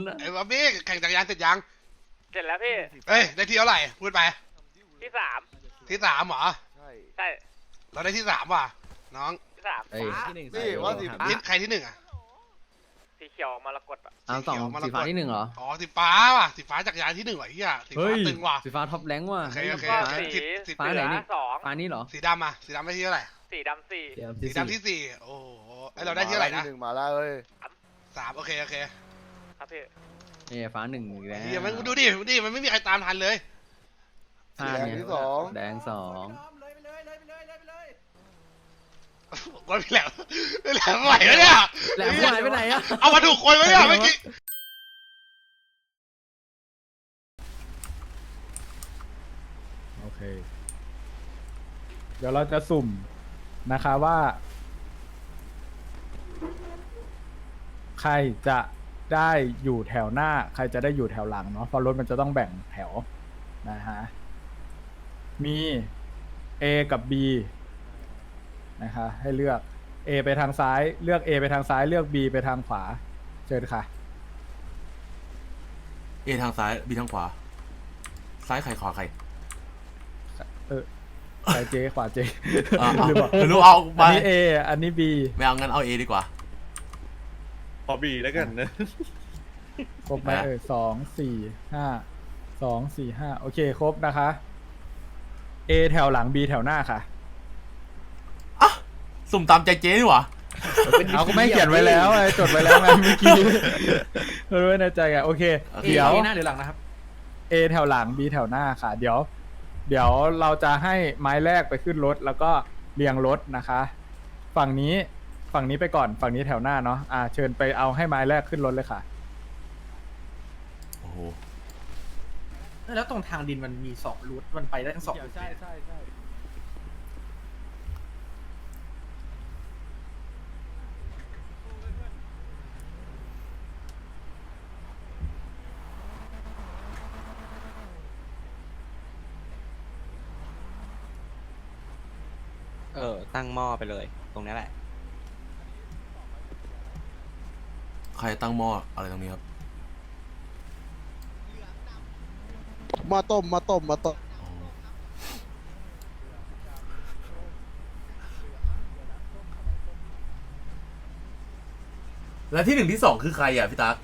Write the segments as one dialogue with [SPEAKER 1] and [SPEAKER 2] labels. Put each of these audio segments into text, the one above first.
[SPEAKER 1] ไอ้บ๊อบบี้แข่งจักรยานเสร็จยัง
[SPEAKER 2] เสร็จแล้วพี่
[SPEAKER 1] เอ้ยได้ที่เท่าไหร่พูดไป
[SPEAKER 2] ที่สาม
[SPEAKER 1] ที่สามเหรอ
[SPEAKER 2] ใช่
[SPEAKER 1] เราได้ที่สามว่ะน้อง
[SPEAKER 2] ที่สาม
[SPEAKER 3] ที่หนึ่ง
[SPEAKER 4] นี่ว่าสีฟ้า
[SPEAKER 1] ใครที่หนึ่งอ่ะ
[SPEAKER 2] สีเขียวมรกตอ่ะ
[SPEAKER 3] เอาสองสีฟ้าที่หนึ่งเหรอ
[SPEAKER 1] อ๋อสีฟ้าว่ะสีฟ้าจักรยานที่หนึ่งว่ะเฮียสีฟ้าตึงว่ะ
[SPEAKER 3] สีฟ้าท็อปแรงว่ะ
[SPEAKER 1] โอเคโอเค
[SPEAKER 2] ก็
[SPEAKER 1] สิ
[SPEAKER 2] สี
[SPEAKER 1] บ
[SPEAKER 3] ฟ้าไหนนี่
[SPEAKER 2] สอง
[SPEAKER 3] ฟ้านี่เหรอ
[SPEAKER 1] สีดำอ่ะสีดำได้ที่เท่าไหร่
[SPEAKER 2] สีดำสี่
[SPEAKER 1] สีดำที่สี่โอ้โหไอเราได้ที่เท่าไหร่นะ
[SPEAKER 4] หนึ่งมาแล้วเอ้ย
[SPEAKER 1] สามโอเคโอเค
[SPEAKER 2] ครับพี่
[SPEAKER 3] นี่ฟ้าหนึ่งอีกแล้ว
[SPEAKER 1] เฮียมันดูดิมันไม่มีใครตามทันเลย
[SPEAKER 3] ฟ้า
[SPEAKER 4] แดง
[SPEAKER 3] เนี่ย
[SPEAKER 4] ที่สอง
[SPEAKER 3] แดงสอง
[SPEAKER 1] วันพี่แหลมพี่แหลมไหวไหมเนี่ย
[SPEAKER 3] แหลมหายไปไหนอะ
[SPEAKER 1] เอามาถูกคนไหมเนี่ยเมื่อกี้
[SPEAKER 5] โอเค เดี๋ยวเราจะสุ่มนะคะว่า ใครจะได้อยู่แถวหน้า ใครจะได้อยู่แถวหลังเนาะเพราะรถมันจะต้องแบ่งแถวนะฮะมี A กับ B นะคะให้เลือก A ไปทางซ้ายเลือก A ไปทางซ้ายเลือก B ไปทางขวาเชิญค่ะ
[SPEAKER 6] เอทางซ้ายบีทางขวาซ้ายใครขวาใคร
[SPEAKER 5] ซ้ายเจขวาเจ ลืมบอก
[SPEAKER 6] ไม่รู้เอาไป
[SPEAKER 5] อันนี้ A อันนี้ B
[SPEAKER 6] ไม่เอางั้นเอาเอดีกว่า
[SPEAKER 7] พอบีแล้วกันนะ
[SPEAKER 5] ครบไหมสองสี่ห้าสองสี่ห้าโอเคครบนะคะ A แถวหลัง B แถวหน้าค่ะ
[SPEAKER 6] อ่ะสุ่มตามใจเจ๊ดีกว่า
[SPEAKER 5] เอาก็ไม่เขียนไว้แล้วไงจดไว้แล้วไงเมื่อกี้รู้ไว้ในใจไงโอเค เดี๋ยว
[SPEAKER 3] หน้าหรือหลังนะครับ
[SPEAKER 5] A แถวหลัง B แถวหน้าค่ะ เดี๋ยวเราจะให้ไม้แรกไปขึ้นรถแล้วก็เรียงรถนะคะ ฝั่งนี้ไปก่อนฝั่งนี้แถวหน้าเนาะเชิญไปเอาให้ไม้แรกขึ้นรถเลยค่ะ
[SPEAKER 6] โอ้โห
[SPEAKER 8] แล้วตรงทางดินมันมีสองรูทมันไปได้ทั้งสองรูท
[SPEAKER 5] ใช่ใช่ใช่
[SPEAKER 8] ตั้งหม้อไปเลย ตรงนี้แหละ
[SPEAKER 6] ใครตั้งหม้ออะไรตรงนี้ครับ
[SPEAKER 4] มาต้ม
[SPEAKER 6] โอ้โหแล้วที่หนึ่งที่สองคือใครอ่ะพี่ตั๊ก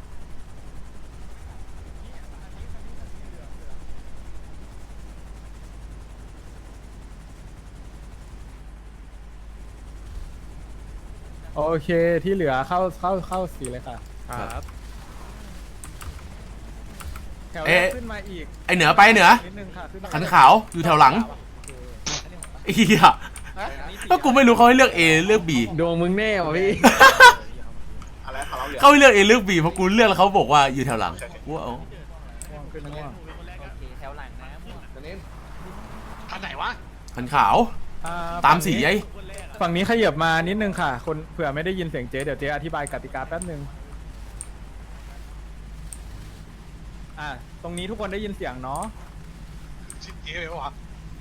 [SPEAKER 5] โอเคที่เหลือเข้าสีเลยค่ะ
[SPEAKER 7] ครับ
[SPEAKER 5] แถวแรกขึ้นมาอีก
[SPEAKER 6] ไอเหนือไปเหนือ
[SPEAKER 5] นิดนึงค่ะขึ้นมา
[SPEAKER 6] ขันขาวอยู่แถวหลังไอ้เหี้ยถ้ากูไม่รู้เขาให้เลือก A เลือก B
[SPEAKER 3] ดวงมึงแน่ว่ะพี่
[SPEAKER 6] เขาให้เลือก A เลือก B เพราะกูเลือกแล้วเขาบอกว่าอยู่แถวหลังกูว่าเอา
[SPEAKER 5] ขึ้นม่วง
[SPEAKER 3] แถวหลังนะ
[SPEAKER 1] คันไหนวะ
[SPEAKER 6] ขันขาวตามสีไอ้
[SPEAKER 5] ฝั่งนี้ขยับมานิดนึงค่ะ คนเผื่อไม่ได้ยินเสียงเจ๊เดี๋ยวเจ๊อธิบายกติกาแป๊บนึงตรงนี้ทุกคนได้ยินเสียงเนาะ
[SPEAKER 1] ชิดเก๋เลยวะ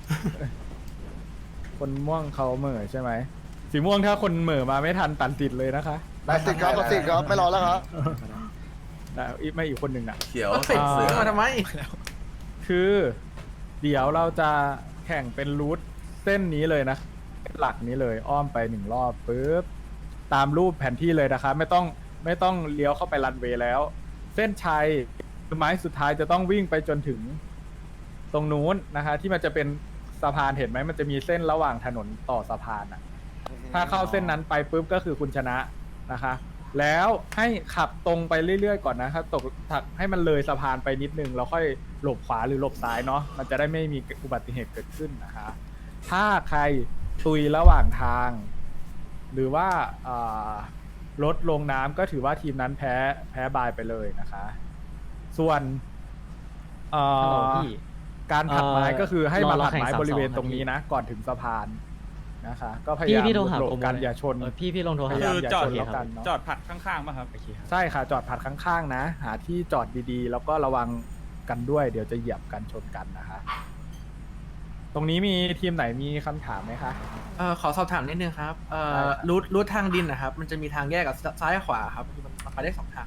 [SPEAKER 5] คนม่วงเขาเหม่อใช่ไหมสีม่วงถ้าคนเหม่อมาไม่ทันตัดติดเลยนะคะ
[SPEAKER 4] ได้สิครับตัดสินครับ ไม่รอแล้วครับ
[SPEAKER 5] แต่ไม่อีกคนหนึ่งน่ะ
[SPEAKER 6] เขียว
[SPEAKER 8] เสร็จ
[SPEAKER 6] เสือ
[SPEAKER 8] มาทำไม
[SPEAKER 5] คือเดี๋ยวเราจะแข่งเป็นรูทเส้นนี้เลยนะหลักนี้เลยอ้อมไปหนึ่งรอบปุ๊บตามรูปแผนที่เลยนะคะไม่ต้องเลี้ยวเข้าไปรันเวย์แล้ว เส้นชัยไม้สุดท้ายจะต้องวิ่งไปจนถึงตรงนู้นนะคะ ที่มันจะเป็นสะพานเห็นไหมมันจะมีเส้นระหว่างถนนต่อสะพานอ่ะ ถ้าเข้าเส้นนั้นไปปุ๊บก็คือคุณชนะนะคะ แล้วให้ขับตรงไปเรื่อยๆก่อนนะครับตกถักให้มันเลยสะพานไปนิดนึงแล้วค่อยหลบขวาหรือหลบซ้ายเนาะมันจะได้ไม่มีอุบัติเหตุเกิดขึ้นนะคะ ถ้าใครตุยระหว่างทาง หรือว่ารถลงน้ำก็ถือว่าทีมนั้นแพ้บายไปเลยนะคะ ส่วน
[SPEAKER 3] ฮัลโหลพี่
[SPEAKER 5] การผลักไม้ก็คือให้มาผลักไม้
[SPEAKER 3] รอแข่ง
[SPEAKER 5] บริเวณ
[SPEAKER 3] 3-2
[SPEAKER 5] ตรงนี้นะ ก่อนถึงสะพานนะคะ ก็พยายาม
[SPEAKER 3] พี่โทรหา
[SPEAKER 5] หลบ
[SPEAKER 3] โปรโม
[SPEAKER 5] กัน
[SPEAKER 3] เลย
[SPEAKER 5] อย่าชน
[SPEAKER 3] พี่ลงโทรหา
[SPEAKER 5] พยายามอย่า
[SPEAKER 7] จอด
[SPEAKER 5] ชนแล้วกันเนาะ
[SPEAKER 7] จอดผัดข้างๆป่ะครับ
[SPEAKER 3] โอเคครับ
[SPEAKER 5] ใช่ค่ะจอดผัดข้างๆนะ หาที่จอดดีๆ แล้วก็ระวังกันด้วย เดี๋ยวจะเหยียบกันชนกันนะคะ ตรงนี้มีทีมไหนมีคำถามไหมคะ
[SPEAKER 8] ขอสอบถามนิดนึงครับ
[SPEAKER 5] ได้ครับ
[SPEAKER 8] รูททางดินนะครับ มันจะมีทางแยกกับซ้ายขวาครับมันไปได้สองทางเลย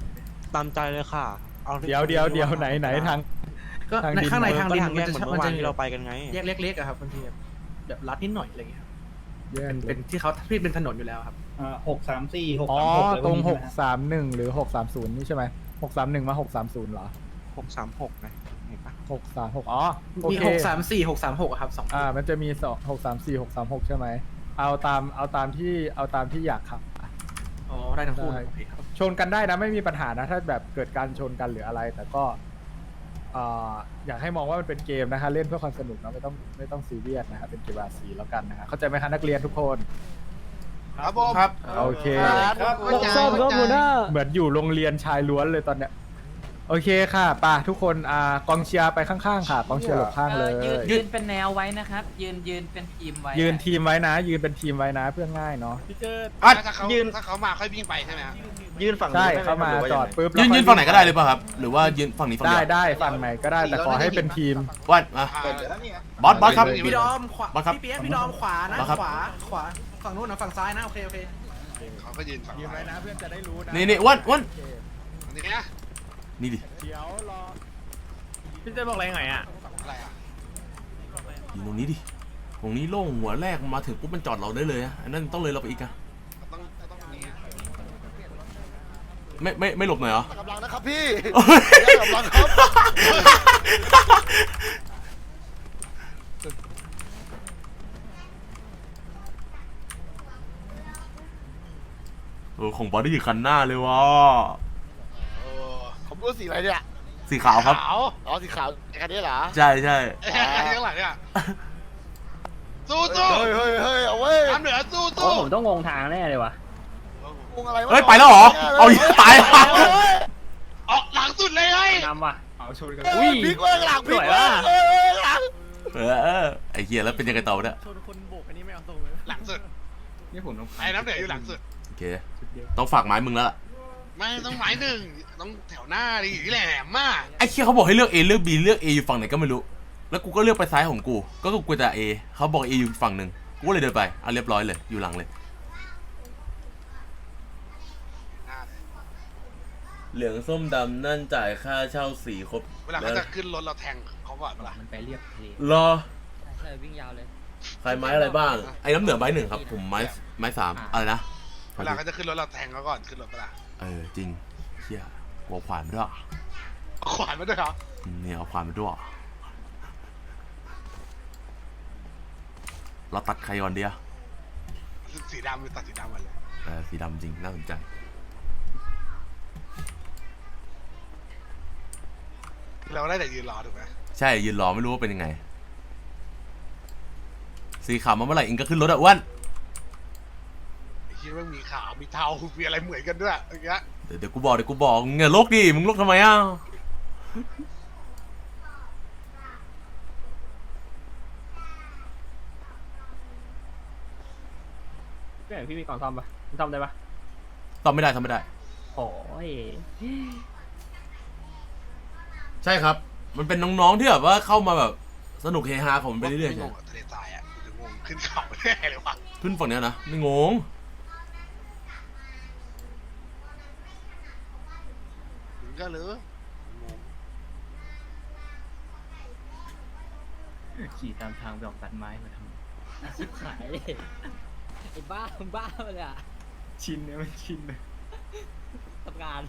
[SPEAKER 9] ตามใจเลยค่ะเอาที่
[SPEAKER 5] เดี๋ยวไหนทาง
[SPEAKER 8] ก็
[SPEAKER 5] ทาง
[SPEAKER 8] ใน
[SPEAKER 5] ดิน
[SPEAKER 8] ข้างในทาง
[SPEAKER 9] ก็
[SPEAKER 8] ดิน
[SPEAKER 9] ทางแยกเหมือนเมื่อวานที่เราไปกันไง
[SPEAKER 8] แยกเล็กๆอะครับบางทีแบบลัดนิดหน่อยอะไรเงี้ยครับ
[SPEAKER 5] แยก
[SPEAKER 8] เป็นที่เขาที่เป็นถนนอยู่แล้วครับ
[SPEAKER 7] 634
[SPEAKER 5] อ๋อ
[SPEAKER 7] 636
[SPEAKER 5] ตรง631หรือ630นี่ใช่ไหม631มา630เหรอ
[SPEAKER 9] 636นะเห็นปะ
[SPEAKER 5] 636อ๋อโอ
[SPEAKER 8] มี
[SPEAKER 5] เค
[SPEAKER 8] 634 636อะครับ2
[SPEAKER 5] มันจะมี634 636ใช่ไหมเอาตามที่อยากขับ
[SPEAKER 8] อ๋อได้ทั้งคู่
[SPEAKER 5] ได้
[SPEAKER 8] โอเคครับ
[SPEAKER 5] ชนกันได้นะไม่มีปัญหานะถ้าแบบเกิดการชนกันหรืออะไร แต่ก็อยากให้มองว่ามันเป็นเกมนะคะเล่นเพื่อความสนุกนะไม่ต้องซีเรียสนะครับเป็นเกมอาซีแล้วกันนะฮะเข้าใจไหมคะนักเรียนทุกคน
[SPEAKER 1] ครับผม
[SPEAKER 6] ครับ
[SPEAKER 5] โอเค
[SPEAKER 1] ครับ
[SPEAKER 3] ซ่อมครับหัวหน้า
[SPEAKER 5] เหมือนอยู่โรงเรียนชายล้วนเลยตอนเนี้ยโอเคค่ะป่ะทุกคนกองเชียร์ไปข้างๆค่ะกองเชียร์หลบข้างเลย
[SPEAKER 3] ยืนเป็นแนวไว้นะครับ ยืนเป็นทีมไว้
[SPEAKER 5] ยืนทีมไว้นะ ยืนเป็นทีมไว้นะเพื่อง่ายเนาะ
[SPEAKER 1] ถ้าเขามาค่อยวิ่งไปใช่ไหมฮะ
[SPEAKER 9] ยืนฝั่ง
[SPEAKER 5] ใช่
[SPEAKER 9] นู้นได้ไห
[SPEAKER 5] เข้ามา
[SPEAKER 9] หรือว่
[SPEAKER 5] จอด
[SPEAKER 9] ยังไง
[SPEAKER 5] ปุ๊บ
[SPEAKER 6] ยืนฝั่งไหนก็ได้เลยป่ะครับ หรือว่ายืนฝั่งนี้ฝั่ง
[SPEAKER 5] ได้
[SPEAKER 6] เดียว
[SPEAKER 5] ได้ฝั่งไหนก็ได้แต่ขอให้เป็นทีม
[SPEAKER 6] วัดมาบอสครับ
[SPEAKER 8] พี่ดอมขวา
[SPEAKER 6] บังคับ
[SPEAKER 8] พี่เปี๊ยกพี่ดอมขวานะ
[SPEAKER 6] บังคับ
[SPEAKER 8] ขวาฝั่งนู้นนะฝั่งซ้ายนะโอเค
[SPEAKER 1] เขาก็ยืนฝั่ง
[SPEAKER 5] ทีมไว้นะเพื่อนจะได้รู้นะ
[SPEAKER 6] นี่อ้วน
[SPEAKER 1] อันนี้นะ
[SPEAKER 6] นี่ดิ
[SPEAKER 5] เดี๋ยวรอ
[SPEAKER 3] พี่จะบอกอะไรไงอ่ะ
[SPEAKER 1] อะไรอ่ะ
[SPEAKER 6] อยู่ตรงนี้ดิตรงนี้โล่งหัวแรกมาถึงปุ๊บมันจอดเราได้เลยอะอันนั้นต้องเลยเราไปอีกอะ
[SPEAKER 1] ต้องมี
[SPEAKER 6] ไม่หลบหน่อยเหรอ
[SPEAKER 4] กำลังนะครับพี่
[SPEAKER 6] โอ้ย
[SPEAKER 4] กำลังครับ
[SPEAKER 6] ของบอสได้อยู่คันหน้าเลยวะ
[SPEAKER 1] โอ้
[SPEAKER 4] ผมรู้สีอะไรเนี่ย
[SPEAKER 6] สีขาวครับ
[SPEAKER 1] ขาว
[SPEAKER 4] อ๋อสีขาวไอ้คันนี้เหรอ
[SPEAKER 6] ใช่
[SPEAKER 1] ข้างหลังเนี่ยสู้สู้
[SPEAKER 4] เฮ้ยเอาเว้ย
[SPEAKER 1] น้ำเหนือสู้
[SPEAKER 3] โอ้
[SPEAKER 1] สู้
[SPEAKER 3] ผมต้องงงทางแน่เลยวะ
[SPEAKER 4] งงอะไรวะ
[SPEAKER 6] เฮ้ยไปแล้วเหรอเอาตาย
[SPEAKER 1] ออกหลังสุดเลยเฮ้ย
[SPEAKER 3] นำว่ะ
[SPEAKER 4] อุ้ยพลิกเว้ยหลังพลิก
[SPEAKER 3] สวย
[SPEAKER 4] เว้
[SPEAKER 3] ว่ะ
[SPEAKER 4] ยหลัง
[SPEAKER 6] ไอ้เหี้ยแล้วเป็นยังไงต่อเนี่ย
[SPEAKER 8] ชนคนโบกอันนี้ไม่เอาตรงเลย
[SPEAKER 1] หลังสุด
[SPEAKER 3] นี่ผมต้อง
[SPEAKER 1] ไอ้น้ำเหนืออยู่หลังสุด
[SPEAKER 6] โอเคต้องฝากไม้มึงแล้วล่ะ
[SPEAKER 1] ไม่ต้องหมายหนึ่งต้องแถวหน้าดิแหลมมาก
[SPEAKER 6] ไอ้เหี้ยเขาบอกให้เลือก A เลือก B เลือก A อยู่ฝั่งไหนก็ไม่รู้ แล้วกูก็เลือกไปซ้ายของกูก็กูจะ A เขาบอก A อยู่ฝั่งหนึ่งกูก็เลยเดินไปเอาเรียบร้อยเลยอยู่หลังเลยเหลืองส้มดำนั่นจ่ายค่าเช่าสีครบ
[SPEAKER 1] เวลาเขาจะขึ้นรถเราแทงเขาก่อนเวลา
[SPEAKER 3] มันไปเรียบทะเล
[SPEAKER 6] รอ
[SPEAKER 3] ใช่วิ่งยาวเลย
[SPEAKER 6] ใครไม้อะไรบ้างไอ้น้ำเหนือไม้หนึ่งครับผมไม้สามอะไรนะ
[SPEAKER 1] เวลาเขาจะขึ้นรถเราแทงเขาก่อนขึ้นรถเวลา
[SPEAKER 6] จริงเชี่ยหัวขวานมาด้วย
[SPEAKER 1] ขวานมาด้วยเหรอ
[SPEAKER 6] เนี่ยเอาขวานมาด้วยเราตัดใครก่อนเดีย
[SPEAKER 1] สีดำไปตัดสีดำมาเลย
[SPEAKER 6] สีดำจริงน่าสนใจ
[SPEAKER 1] เราได้แต่ยืนรอถูกไหม
[SPEAKER 6] ใช่ยืนรอไม่รู้ว่าเป็นยังไง สีขาวมาเมื่อไหร่อิงก็ขึ้นรถอะอ้วน
[SPEAKER 1] ไอ้เหี้ยมันมีขาวมีเทามีอะไรเหมือนกันด้วยอย่างเงี้ย
[SPEAKER 6] เดี๋ยวกูบอกมึงอย่าลกดิมึงลกทำไมอ่ะ
[SPEAKER 3] พี่มีกล่องซ่อมปะซ่อมได้ปะ
[SPEAKER 6] ตอบไม่ได้
[SPEAKER 3] โอ้ย
[SPEAKER 6] ใช่ครับ มันเป็นน้องๆที่แบบว่าเข้ามาแบบสนุกเฮฮาของมันไปเรื่อยๆ
[SPEAKER 1] ง
[SPEAKER 6] ใช่
[SPEAKER 1] งกับทะเลทรายอ่ะกูจะงงขึ้นเขาแน่เลยวะ
[SPEAKER 6] ขึ้นฝั่งเนี้ยนะไม่งง
[SPEAKER 1] ถึงก็เลยงง
[SPEAKER 3] ขี่ตามทางไปออกตัดไม้มาทำชิบหายเลยไอ้บ้าเลยอ่ะ
[SPEAKER 5] ชินเนี่ยมันชินเลย
[SPEAKER 3] ทำงาน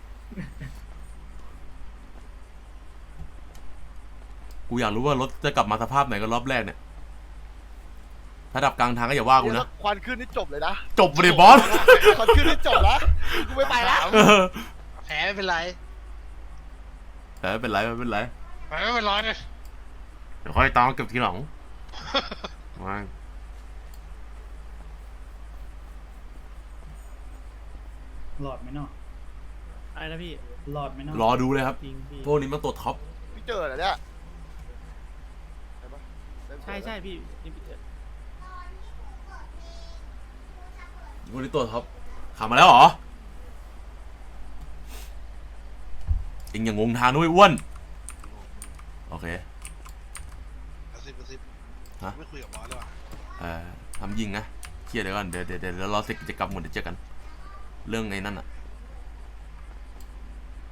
[SPEAKER 6] กูอยากรู้ว่ารถจะกลับมาสภาพไหนกันรอบแรกเนี่ยถ้าดับกลางทางก็อย่าว่ากูนะ
[SPEAKER 4] ควันขึ้นนี่จบเลยนะ
[SPEAKER 6] จบเลยบอส
[SPEAKER 4] ควันขึ้นนี่จบแล้วกูไม่ไปแล้ว
[SPEAKER 1] แผลไม่เป็นไร
[SPEAKER 6] แต่ไม่เป็นไร
[SPEAKER 1] แผลไม่เป็นไรเนี่ย
[SPEAKER 6] เดี๋ยวค่อยตามเก็บทีหลังมา
[SPEAKER 7] หลอดไหมเนาะ
[SPEAKER 3] อะไรนะพี่
[SPEAKER 7] หลอดไหมเนาะ
[SPEAKER 6] รอดูเลยครับ
[SPEAKER 3] จริงพี่
[SPEAKER 6] พวกนี้มันตัวท็อป
[SPEAKER 4] พี่เจอเหรอเนี่ย
[SPEAKER 3] ใช่พี่
[SPEAKER 6] พวกนี้ตัวท็อปขับมาแล้วเหรอเอ็งอย่างงงทางด้วยอ้วนโอเค
[SPEAKER 1] กระซิบ
[SPEAKER 6] ฮะ
[SPEAKER 1] ไม่คุยกับบอสเลยว่ะ
[SPEAKER 6] ทำยิงนะเคลียร์เดี๋ยวก่อนเดี๋ยวรอเสร็จกิจกรรมหมดเดี๋ยวเจอกัน เรื่องไอ้นั่นอะ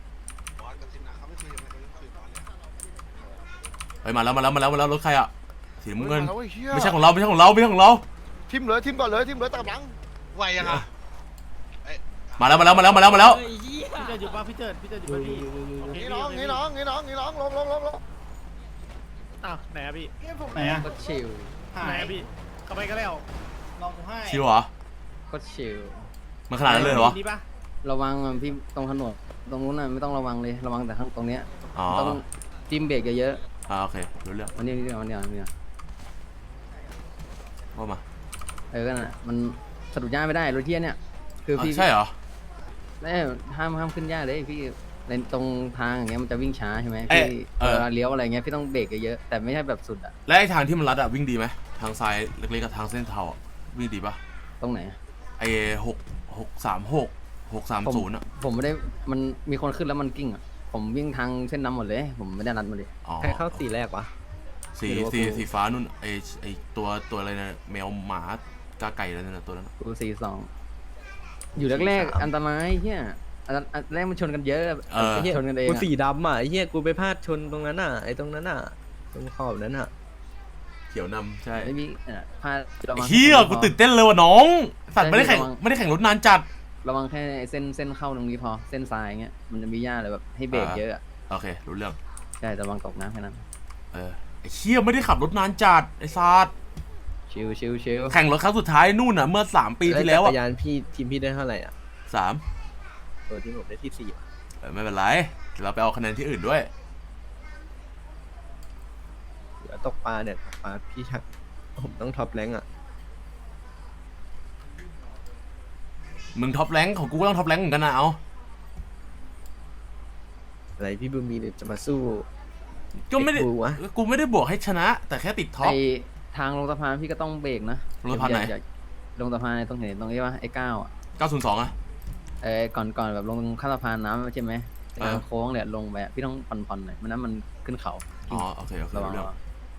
[SPEAKER 1] กันสินะเขาไม่คุยกันเขาคุยกันเลย
[SPEAKER 6] เฮ้ยมาแล้วรถใครอะสีน้ำเงิน
[SPEAKER 4] อาว้ยหี้ย
[SPEAKER 6] ไม่ใช่ของเราไม่ใช่ของเราไม่ใช่ของเรา
[SPEAKER 4] ทิมเลยทิมก่อนเลยทิมเลยตามหลัง
[SPEAKER 1] ไหวยังอ่ะ
[SPEAKER 6] มาแล้ว
[SPEAKER 3] เฮ้ยเหี้ย
[SPEAKER 8] พี่เจิดอยู่ป่ะพี่เจิดอยู่ป่ะพี่
[SPEAKER 4] นี่น้องลง
[SPEAKER 8] อ้าวไหนอะพี่
[SPEAKER 7] ไหนอะ
[SPEAKER 3] โคตรชิล
[SPEAKER 8] ไหนอะพี่เข้าไปก็แล้ว
[SPEAKER 7] ลองกูให้
[SPEAKER 6] ชิวเหรอ
[SPEAKER 3] โคตรชิล
[SPEAKER 6] มันขนาดนั้นเลยเหรอ
[SPEAKER 8] นี่ปะ
[SPEAKER 3] ระวังอ่ะพี่ตรงถนนตรงนู้นน่ะไม่ต้องระวังเลยระวังแต่ข้างตรงเนี้ย
[SPEAKER 6] อ๋อ
[SPEAKER 3] ต้องจิ้มเบรกเยอะ
[SPEAKER 6] โอเครู้เรื่อง
[SPEAKER 3] ๆวันนี้วันนี้
[SPEAKER 6] ว่ามา
[SPEAKER 3] ก็น่ะมันสะดุดหญ้าไม่ได้รถเที่ยเนี่ยคือพี่
[SPEAKER 6] ใช่เหรอ
[SPEAKER 3] ห้ามขึ้นหญ้าเลยพี่ในตรงทางอย่างเงี้ยมันจะวิ่งช้าใช่ไหม
[SPEAKER 6] เอ้ย
[SPEAKER 3] พี่
[SPEAKER 6] เออ
[SPEAKER 3] เวลาเลี้ยวอะไรเงี้ยพี่ต้องเบรกเยอะๆแต่ไม่ใช่แบบสุดอะ
[SPEAKER 6] และไอ้ทางที่มันลัดอะวิ่งดีไหมทางซ้ายเล็กๆกับทางเส้นเทาอะวิ่งดีปะ
[SPEAKER 3] ตรงไหน
[SPEAKER 6] ไอ้630อะ
[SPEAKER 3] ผมไม่ได้มันมีคนขึ้นแล้วมันกิ้งอะผมวิ่งทางเส้นน้ำหมดเลย ผมไม่ได้นัดมาเลย
[SPEAKER 6] อ๋อ
[SPEAKER 9] ใครเข้าสีแรกวะ
[SPEAKER 6] สีฟ้านู่นไอ้ตัวอะไรนะแมวหมากาไก่อะไรนั่นนะตัวนั้น
[SPEAKER 3] กู42อยู่แรกๆอันตรายเฮียอันแรกมันชนกันเยอะชนกันเอง
[SPEAKER 9] กู
[SPEAKER 3] อะ
[SPEAKER 9] สีดำอ่ะไอ้เหี้ยกูไปพลาดชนตรงนั้นอ่ะไอ้ตรงนั้นอ่ะตรงขอบนั้นอ่ะ
[SPEAKER 6] เขียวนำใช่
[SPEAKER 3] ไม่มีพลาดระวัง
[SPEAKER 6] เฮียกูตื่นเต้นเลยว่ะน้อง สัตว์ไม่ได้แข่งรถนานจัด
[SPEAKER 3] ระวังแค่เส้นเข้าตรงนี้พอเส้นซ้ายเงี้ยมันจะมีหญ้าเลยแบบให้เบรกเยอะอะ
[SPEAKER 6] โอเครู้เรื่อง
[SPEAKER 3] ใช่ระวังตกน้ำแค่นั้น
[SPEAKER 6] ไอ้เฮียไม่ได้ขับรถนานจัดไอ้ซาด
[SPEAKER 3] ชิล
[SPEAKER 6] แข่งรถครั้งสุดท้ายนู่นน่ะเมื่อ3 ปีที่แล้ว
[SPEAKER 9] จั
[SPEAKER 6] อ่ะ
[SPEAKER 9] กรยานพี่ทีมพี่ได้เท่าไหร่อ่ะ
[SPEAKER 6] 3
[SPEAKER 9] ตัวที่ผมได้ที่4ว่ะ
[SPEAKER 6] ไม่เป็นไรเดี๋ยวเราไปเอาคะแนนที่อื่นด้วย
[SPEAKER 9] เหลือตกปลาเนี่ยตกปลาพี่ชักผมต้องท็อปแรงค์อ่ะ
[SPEAKER 6] มึงท็อปแรงค์ของกูก็ต้องท็อปแรงค์เหมือนกันนะเอา
[SPEAKER 9] อะไรพี่บูมมีเนี่ยจะมาสู้
[SPEAKER 6] ก็ไม่ได้
[SPEAKER 9] ไอ้กูวะ
[SPEAKER 6] กูไม่ได้บวกให้ชนะ แต่แค่ติดท็อ
[SPEAKER 3] ไอ
[SPEAKER 6] ป
[SPEAKER 3] ทางลงสะพานพี่ก็ต้องเบรกนะ
[SPEAKER 6] ลงสะพานไหน
[SPEAKER 3] อย่ลงสะพานตรงเห็นตรงนี้ว่าไอ้ก้าวอ่ะ
[SPEAKER 6] 902อ่ะ
[SPEAKER 3] ก่อนแบบลงข้ามสะพานน้ำใช่ไหม
[SPEAKER 6] เออ
[SPEAKER 3] ทางโค้งเนี่ยลงไปอะพี่ต้องผ่อนหน่อยไม่นั้นมันขึ้นเขา
[SPEAKER 6] อ๋อโอเครู้
[SPEAKER 3] ระวัง
[SPEAKER 6] เรื่อง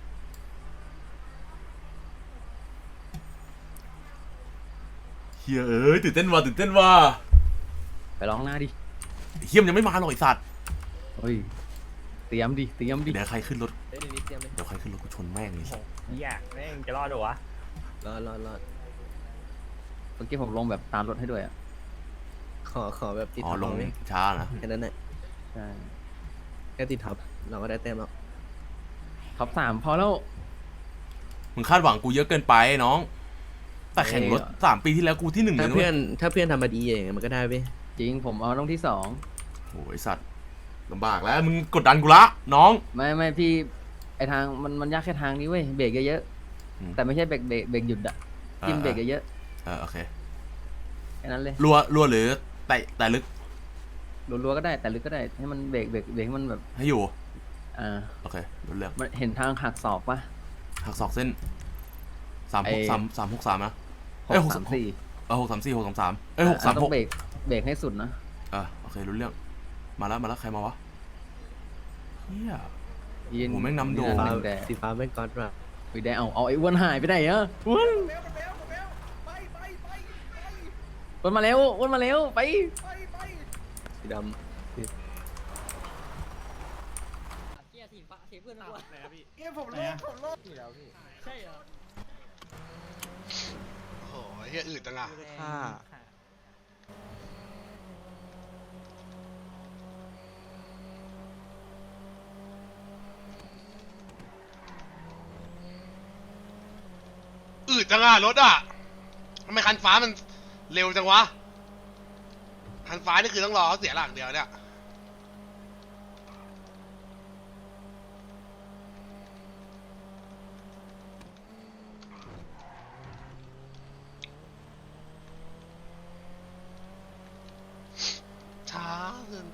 [SPEAKER 6] เฮียตื่นเต้นว่ะ
[SPEAKER 3] ไปร้องหน้าดิ
[SPEAKER 6] เฮียมนยังไม่มาหรอกไอ้สัตว์
[SPEAKER 3] เฮ้ยเตรียมดิ
[SPEAKER 6] เดี๋ยวใครขึ้นรถ
[SPEAKER 9] เดี๋ยวนี้เตรียมเลย
[SPEAKER 6] เดี๋ยวใครขึ้นรถกูชนแม่งเลย
[SPEAKER 8] อยากแม่งจะรอดหรอวะ
[SPEAKER 9] รอด
[SPEAKER 3] เมื่อกี้ผมลงแบบตามรถให้ด้วยอ่ะ
[SPEAKER 9] ขอแบบติด
[SPEAKER 6] อ๋อ
[SPEAKER 9] ท็อป
[SPEAKER 6] ลง
[SPEAKER 9] ไหม
[SPEAKER 6] ช้านะ
[SPEAKER 9] แค่นั้นแหละ
[SPEAKER 3] ใช่
[SPEAKER 9] แค่ติดท็อปเราก็ได้แต้มแล้ว
[SPEAKER 3] ท็อป3พอแล้ว
[SPEAKER 6] มึงคาดหวังกูเยอะเกินไปน้อง แต่แข่งรถ3 ปีที่แล้วกูที่ 1เลย
[SPEAKER 9] ถ้า
[SPEAKER 6] นะเว้
[SPEAKER 9] เพื่อย นถ้าเพื่อนทำมาดีอย่างเงี้ยมันก็ได้เว้ย
[SPEAKER 3] จริงผมเอาต้องที่2
[SPEAKER 6] โอ้ยสัตว์ลำบากแล้วมึงกดดันกูละน้อง
[SPEAKER 3] ไม่พี่ไอทางมันยากแค่ทางนี้เว้ยเบรกเยอะ
[SPEAKER 6] อืม
[SPEAKER 3] ๆแต่ไม่ใช่เบรกหยุดอ่ะจิ้มเบรกเยอะ
[SPEAKER 6] โอเค
[SPEAKER 3] ๆแค่นั้นเลย
[SPEAKER 6] รัวหรือแต่ลึก
[SPEAKER 3] รัวๆก็ได้แต่ลึกก็ได้ให้มันเบรกให้มันแบบ
[SPEAKER 6] ให้อยู่ โอเครู้เรื่อง
[SPEAKER 3] มันเห็นทางหักศอกปะ
[SPEAKER 6] หักศอกเส้น
[SPEAKER 3] ไอ้
[SPEAKER 6] 363นะ
[SPEAKER 3] 6
[SPEAKER 6] เอ้ย
[SPEAKER 3] 3 4
[SPEAKER 6] 634 633
[SPEAKER 3] ต้อง
[SPEAKER 6] 636
[SPEAKER 3] เบรกให้สุดนะ
[SPEAKER 6] โอเครู้เรื่องมาแล้วใครมาวะเฮีย
[SPEAKER 3] ยืน
[SPEAKER 6] โอ้โหแม่งนำโด่ง
[SPEAKER 3] แต่
[SPEAKER 9] สีฟ้าไม่ก๊อตว่ะ
[SPEAKER 3] ไปได้เอาไอ้อ้วนหายไปไหนอะอ้วนมาแล้วไป
[SPEAKER 9] สีดำ
[SPEAKER 8] ไหนอะพี่
[SPEAKER 1] ผมรอดอยู่แล้วพี่
[SPEAKER 3] ใช่เหรอ
[SPEAKER 1] โอ้โหเฮียอืดจังอ่ะ
[SPEAKER 9] ค่า
[SPEAKER 1] อืดจังอ่ะรถอ่ะทำไมคันฟ้ามันเร็วจังวะคันฟ้านี่คือต้องรอเขาเสียหลักเดียวเนี่ยช้าเกิน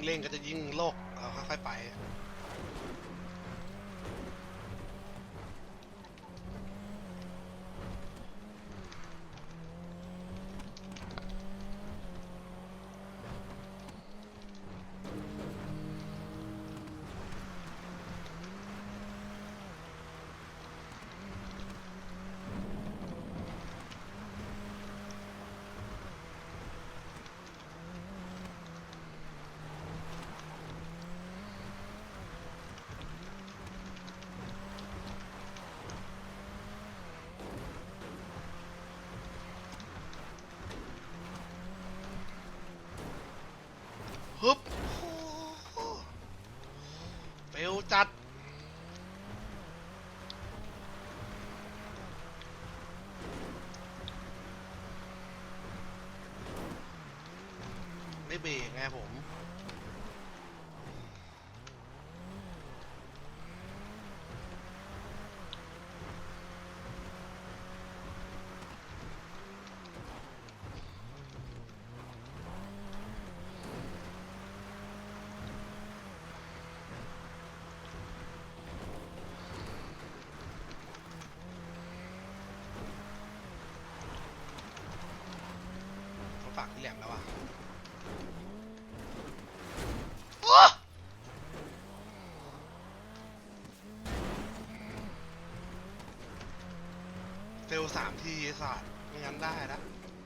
[SPEAKER 1] เร่งก็จะยิ่งโลกเราค่อยๆไปฮึบเฟลจัดไม่เบรกไงผม เขาฝากที่แหลมแล้วอ่ะโอ๊ะเฟล3 ทีไอ้สัตว์ไม่งั้นได้นะ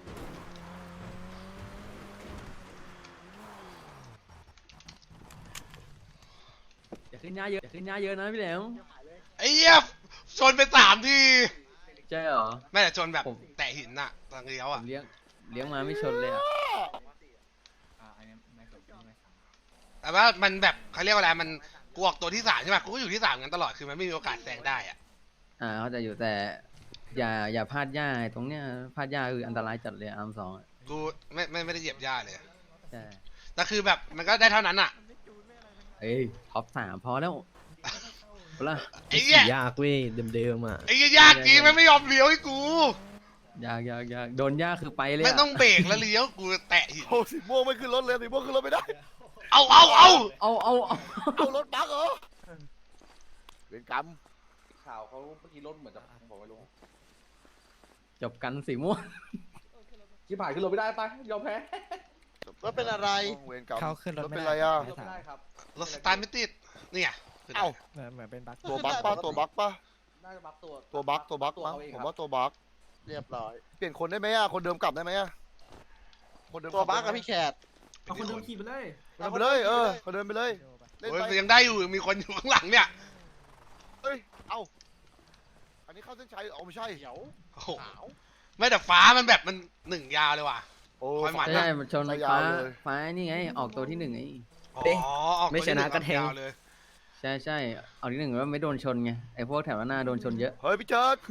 [SPEAKER 9] อย่าขึ้นหน้าเยอะอย่าขึ้นหน้าเยอะนะพี่แหลม
[SPEAKER 1] ไอ้เหี้ยชนไป3 ที
[SPEAKER 9] ใช่เหรอ
[SPEAKER 1] ไม่แต่ชนแบบ
[SPEAKER 9] ผม
[SPEAKER 1] แตะหินน่ะทางเลี้ยว
[SPEAKER 9] ผ
[SPEAKER 1] อ่ะ
[SPEAKER 9] มเลี้ยงมาไม่ชนเลยอ่ะ
[SPEAKER 5] อันนี้ไม่สนใจไม่สน
[SPEAKER 1] แต่ว่ามันแบบเขาเรียกว่าอะไรมันกูออกตัวที่3ใช่ไหมกูก็อยู่ที่3กันตลอดคือมันไม่มีโอกาสแซงได้อ่ะ
[SPEAKER 9] เขาใจะอยู่แต่อย่าพลาดหญ้าไอ้ตรงเนี้ยพลาดหญ้าคืออันตรายจัดเลยอาร์ม2อ่ะ
[SPEAKER 1] กูไม่ได้เหยียบหญ้าเลย
[SPEAKER 9] ใช่
[SPEAKER 1] แต่คือแบบมันก็ได้เท่านั้นอ่ะ
[SPEAKER 9] เอ้ยท็อป3พอแล้วเวลา
[SPEAKER 1] ไอ้เหี้ย
[SPEAKER 9] ยากเว้ยเดิมๆอ่ะ
[SPEAKER 1] ไอ้เหี้ยยากจริงมันไม่ยอมเลี้ยวให้กู
[SPEAKER 9] ยากโดนหญ้าคือไปเลย
[SPEAKER 1] ไม่
[SPEAKER 9] อะ
[SPEAKER 1] ต้องเบรกแล้วเลี้ยวกูแตะหิน
[SPEAKER 4] โอ้สีม่วงไม่ขึ้นรถเลยสีม่วงขึ้นรถไม่ได้
[SPEAKER 1] เอา
[SPEAKER 9] เอา
[SPEAKER 4] เอารถบักเหรอเวรกรรม
[SPEAKER 8] ข่าวเขาเมื่อกี้รถเหมือนจะพังบอกไม่รู้
[SPEAKER 9] จบกันสีม่วง
[SPEAKER 8] ชิบหายขึ้นรถไม่ได้ไปยอมแพ้
[SPEAKER 4] รถเป็นอะไรเวรกรรม
[SPEAKER 3] เขาขึ้นรถ
[SPEAKER 4] รถ
[SPEAKER 3] ไม่
[SPEAKER 4] เป็น
[SPEAKER 3] ได้
[SPEAKER 4] ไรอ่ะ
[SPEAKER 8] รถไม่ได้ครับ
[SPEAKER 1] รถสตาร์ทไม่ติดนี่ไง
[SPEAKER 4] เอ้า
[SPEAKER 3] เหมือนเป็นบั๊ก
[SPEAKER 4] ตัวบักป่ะตัวบักป่ะ
[SPEAKER 8] น่าจะบัฟตัว
[SPEAKER 4] ตัวบักมั้ง
[SPEAKER 8] เขเอง
[SPEAKER 4] ผ
[SPEAKER 8] ค
[SPEAKER 4] ม
[SPEAKER 8] รับ
[SPEAKER 4] ว่าตัวบักเรียบร้อยเปลี่ยนคนได้ไหมอ่ะคนเดิมกลับได้ไหมอ่ะคนเดิมตัวบักกับพี่แขก
[SPEAKER 8] เอาคนเดิมขี่ไปเลย
[SPEAKER 4] เดินไปเลยคนเดินไปเลยเล่น
[SPEAKER 1] โอ้ย
[SPEAKER 4] ไป
[SPEAKER 1] ยังได้อยู่มีคนอยู่ข้างหลังเนี่ย
[SPEAKER 4] เอ้ยเอ้าอันนี้เข้าเส้นชัยเอาไม่ใช่เดี๋ยว
[SPEAKER 1] โอ้โหไม่แต่ฟ้ามันแบบมัน1 ยาวเลยว่ะ
[SPEAKER 4] โอ้
[SPEAKER 1] คอยหมัด
[SPEAKER 9] ใช่มันชน
[SPEAKER 4] ไปยา
[SPEAKER 9] ฟ้าว
[SPEAKER 4] เลย
[SPEAKER 9] ฟ้านี่ไงออกตัวที่1ไง
[SPEAKER 1] อ๋อ
[SPEAKER 9] เอ๊ะ
[SPEAKER 1] ออก
[SPEAKER 9] ไม่ชนะก็แทง
[SPEAKER 1] ยาวเลย
[SPEAKER 9] ใช่ออกที่1ว่าไม่โดนชนไงไอ้พวกแถวหน้าโดนชนเยอะ
[SPEAKER 4] เฮ้ยพี่เจิด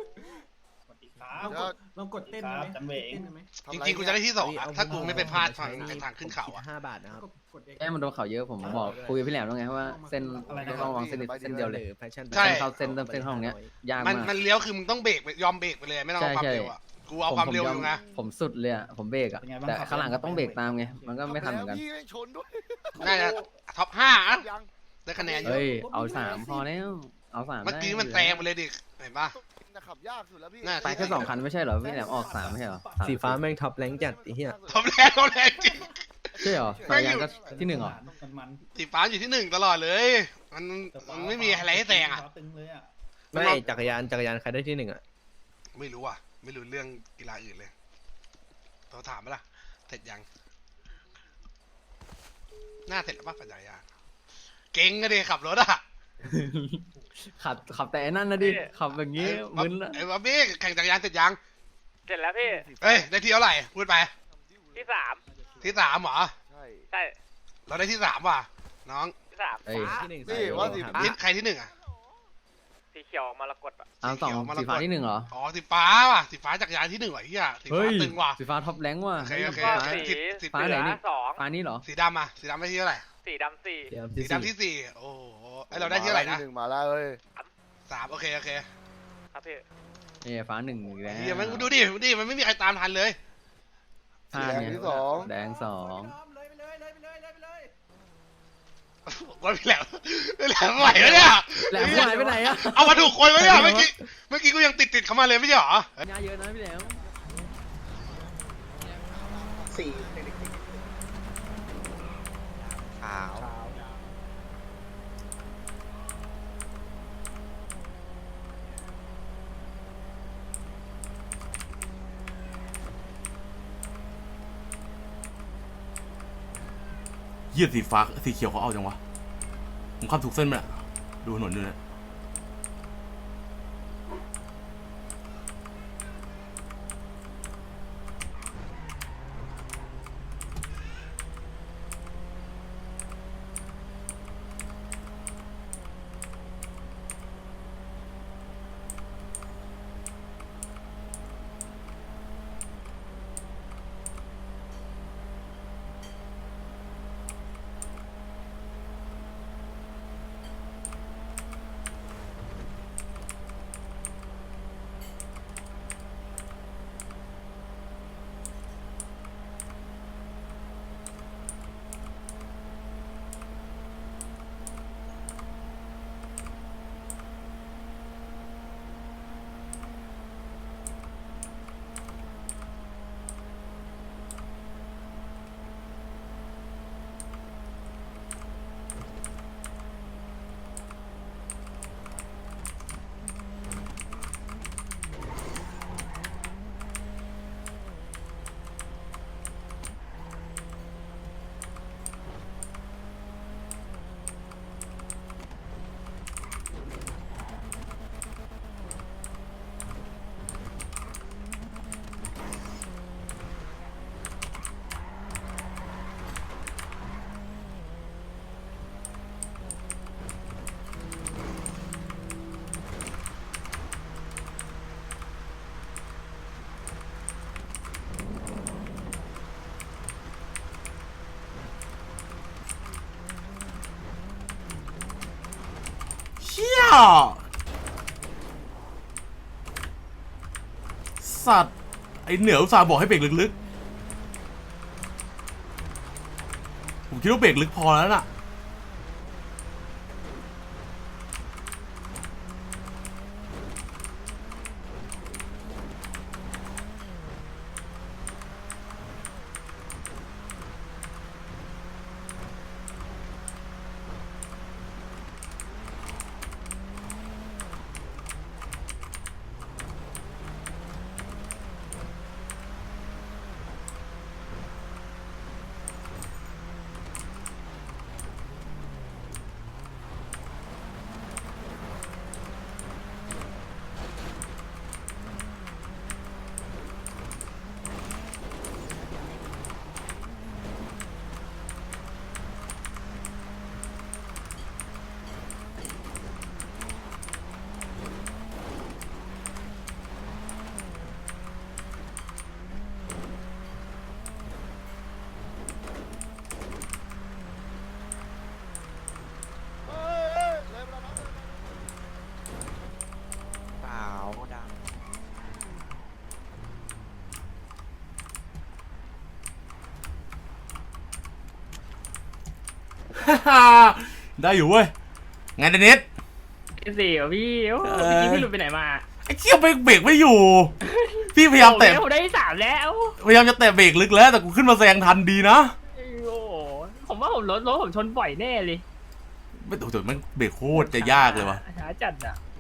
[SPEAKER 8] ลองกดเต้นได้ไหมจันเวง
[SPEAKER 1] จริงๆกูจะได้ที่2อ่ะถ้ากูไม่ไปพลาดทางไอ้ทางขึ้นเขาอ่ะ
[SPEAKER 9] 5 บาทนะครับแค่มันโดนเขาเยอะผมบอกคุยกับพี่แหลมแล้วไงว่าเส้นต้องวางเส้นเดียวเลย
[SPEAKER 1] ใช่
[SPEAKER 9] เข้าเส้นห้องเนี้ยยาก
[SPEAKER 1] มัน
[SPEAKER 9] มาก
[SPEAKER 1] มันเลี้ยวคือมึงต้องเบรกไปยอมเบรกไปเลยไม่ต้องเอาความเร็วอ่ะกูเอาความเร็วอยู่ไง
[SPEAKER 9] ผมสุดเลยอ่ะผมเบรกอ่ะแต่ข้างหลังก็ต้องเบรกตามไงมันก็ไม่ทันเหมือนกัน
[SPEAKER 4] พี่ชนด้วย
[SPEAKER 1] น่าจะท็อป5อ่ะ
[SPEAKER 4] ยัง
[SPEAKER 1] ได้คะแนนเย
[SPEAKER 9] เฮ้
[SPEAKER 1] อะ
[SPEAKER 9] ยเอา3พอแล้วเอา3
[SPEAKER 1] เมื่อกี้มันแซงไปเลยดิเห็นปะ
[SPEAKER 4] นะขับยากสุดแล้วพี่
[SPEAKER 1] น่า
[SPEAKER 9] ไปแค่2 คันไม่ใช่เหรอพี่แหลมออก3ไม่ใช่เหรอ
[SPEAKER 3] สีฟ้าแม่งท็อปแรงจัดไอ้เหี้ย
[SPEAKER 1] ท็อปแรงจริง
[SPEAKER 9] ใช่เหรอ
[SPEAKER 1] แม่
[SPEAKER 9] สาย
[SPEAKER 1] งอยู่
[SPEAKER 9] ยางก็ที่1เหรอ
[SPEAKER 8] มัน
[SPEAKER 1] สีฟ้าอยู่ที่1ตลอดเลย มันไม่มีอะไรให้แซงอ่ะ
[SPEAKER 8] ตึงเลยอ่ะ
[SPEAKER 3] ไม่จักรยานใครได้ที่1อ่ะ
[SPEAKER 1] ไม่รู้อ่ะ ไม่รู้เรื่องกีฬาอื่นเลยโทรถามไหมล่ะเสร็จยังหน้าเสร็จแล้วป่ะปัญญายาเก่งอะดิขับรถอ่ะ
[SPEAKER 9] ขับแต่ไอ้นั่นนะดิขับแบบนี้มึนละ
[SPEAKER 1] ไอ้บ๊อบบี้แข่งจักรยานเสร็จยัง
[SPEAKER 2] เสร็จแล้วพี่
[SPEAKER 1] เอ้ยได้ที่เท่าไหร่พูดไป
[SPEAKER 2] ที่3
[SPEAKER 1] ที่3เหรอ
[SPEAKER 4] ใช่
[SPEAKER 2] ใช่
[SPEAKER 1] เราได้ที่3ว่ะน้อง
[SPEAKER 2] ที่3
[SPEAKER 9] เอ้ย
[SPEAKER 4] นี่ว่าสิ
[SPEAKER 1] ใครที่1อ่ะ
[SPEAKER 2] สีเขียวมรกตอ่ะ
[SPEAKER 9] เอาสองสีฟ้าที่1เหรอ
[SPEAKER 1] อ๋อสีฟ้าว่ะสีฟ้าจักรยานที่1ว่ะเฮียสี
[SPEAKER 9] เฮ้
[SPEAKER 1] ฟ้าย ตึงว่ะ
[SPEAKER 9] สีฟ้าท็อปแรงว่ะ
[SPEAKER 1] โอเคโอเค
[SPEAKER 2] ก็
[SPEAKER 9] ฟ้า
[SPEAKER 2] สี
[SPEAKER 1] สิบ
[SPEAKER 9] ฟ้าไหนนี่
[SPEAKER 2] เหลือ
[SPEAKER 9] ฟ้านี้เหรอ
[SPEAKER 1] สีดำอ่ะสีดำได้ที่เท่าไหร่
[SPEAKER 2] 2สีดำ4
[SPEAKER 1] สีดำที่ 4โอ้โหไอเราได้ที่เท่าไหร่นะ
[SPEAKER 4] หนึ่งมาแล้วเอ้ย
[SPEAKER 1] 3โอเค
[SPEAKER 2] ครับพี่
[SPEAKER 9] นี่ฟ้า1อีกแล้ว
[SPEAKER 1] เฮียมันดูดิมันไม่มีใครตามทันเลย
[SPEAKER 9] ฟ้า
[SPEAKER 4] แดง
[SPEAKER 9] เนี่ย
[SPEAKER 4] ที่สอง
[SPEAKER 9] แดง2
[SPEAKER 8] เลยไปเลย
[SPEAKER 1] ว่าพี่แหลมไหวไหมเนี่ย
[SPEAKER 9] แหลมหายไปไหนอะ
[SPEAKER 1] เอามาถูกคนไหมเนี่ยเมื่อกี้กูยังติดเขามาเลยไม่ใช่หรอ
[SPEAKER 9] ยาเยอะนะพี่แหลม
[SPEAKER 4] ขาว
[SPEAKER 6] เหี้ยสีฟ้าสีเขียวเขาเอาจังวะผมข้ามถูกเส้นไปละดูถนนดูนะเชี่ยสัตว์ไอเหนืออุตส่าห์บอกให้เบรกลึกๆผมคิดว่าเบรกลึกพอแล้วน่ะได้อยู่เว้ยไงเดนิส
[SPEAKER 2] สี่เหรอพี่โอ้พี่หลุดไปไหนมา
[SPEAKER 6] ไอ้เชี่ยเบรกไม่อยู่ พี่พยายามแตะ
[SPEAKER 2] ผมได้สามแล้ว
[SPEAKER 6] พยายามจะแตะเบรกลึกแล้วแต่กูขึ้นมาแซงทันดีนะ
[SPEAKER 2] โอ้โหผมว่าผมรถผมชนบ่อยแน่เลย
[SPEAKER 6] ไม่ถูกมันเบรกโคตรจะยากเลยวะ
[SPEAKER 2] หาจัดอ่ะ